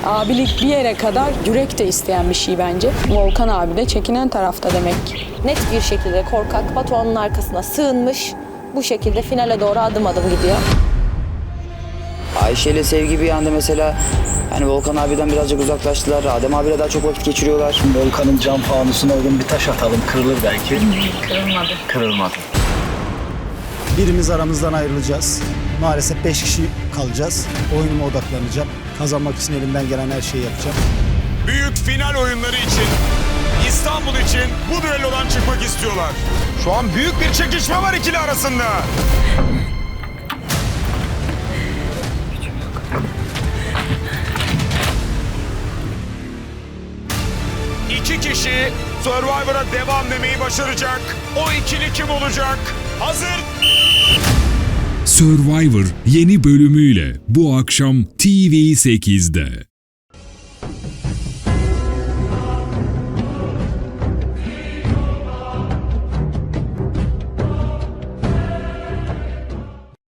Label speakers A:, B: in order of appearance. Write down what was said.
A: Abilik bir yere kadar yürek de isteyen bir şey bence. Volkan abi de çekinen tarafta demek.
B: Net bir şekilde korkak Batuhan'ın arkasına sığınmış. Bu şekilde finale doğru adım adım gidiyor.
C: Ayşe ile Sevgi bir anda mesela hani Volkan abiden birazcık uzaklaştılar. Adem abiyle daha çok vakit geçiriyorlar.
D: Volkan'ın cam fanusuna uygun bir taş atalım. Kırılır belki. Kırılmadı.
E: Birimiz aramızdan ayrılacağız. Maalesef 5 kişi kalacağız. Oyunuma odaklanacağım. Kazanmak için elimden gelen her şeyi yapacağım.
F: Büyük final oyunları için, İstanbul için bu düellodan çıkmak istiyorlar. Şu an büyük bir çekişme var ikili arasında. İki kişi Survivor'a devam demeyi başaracak. O ikili kim olacak? Hazır.
G: Survivor yeni bölümüyle bu akşam TV8'de.